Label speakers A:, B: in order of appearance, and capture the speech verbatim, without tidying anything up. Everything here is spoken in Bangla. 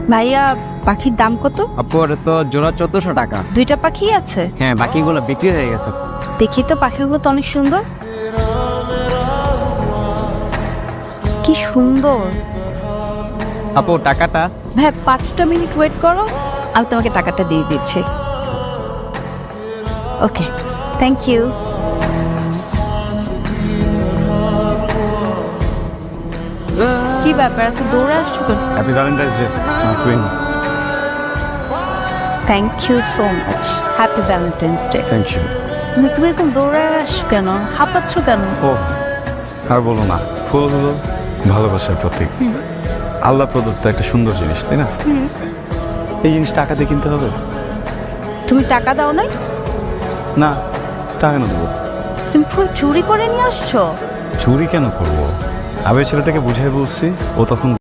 A: ভাইয়া পাখির দাম কত?
B: আপু ওটা তো জোড়া চোদ্দশো টাকা।
A: দুইটা পাখি আছে?
B: হ্যাঁ, বাকিগুলো বিক্রি হয়ে গেছে।
A: দেখি তো, পাখিগুলো তো অনেক সুন্দর। কি সুন্দর।
B: আপু টাকাটা?
A: ভাই পাঁচটা মিনিট ওয়েট করো, আমি তোমাকে টাকাটা দিয়ে দিচ্ছি। Okay, thank you. কি ব্যাপার, এত দৌড়ে আসছো কেন?
C: Happy valentine's day my queen.
A: Thank you so much. Happy valentine's day.
C: Thank you.
A: তুমি এরকম দৌড়ে আসছো কেন, হাঁপাচ্ছ কেন?
C: ও আর বলো না, ফুল হলো ভালোবাসার প্রতীক। আল্লাহ প্রদত্ত একটা সুন্দর জিনিস, তাই না? এই জিনিস টাকা দিয়ে কিনতে হবে?
A: তুমি টাকা দাও নাই?
C: না, টাকা না দেবো।
A: তুমি ফুল চুরি করে নিয়ে আসছো?
C: চুরি কেন করবো? আবে ছেলেটাকে বুঝাই বলছি, ও তখন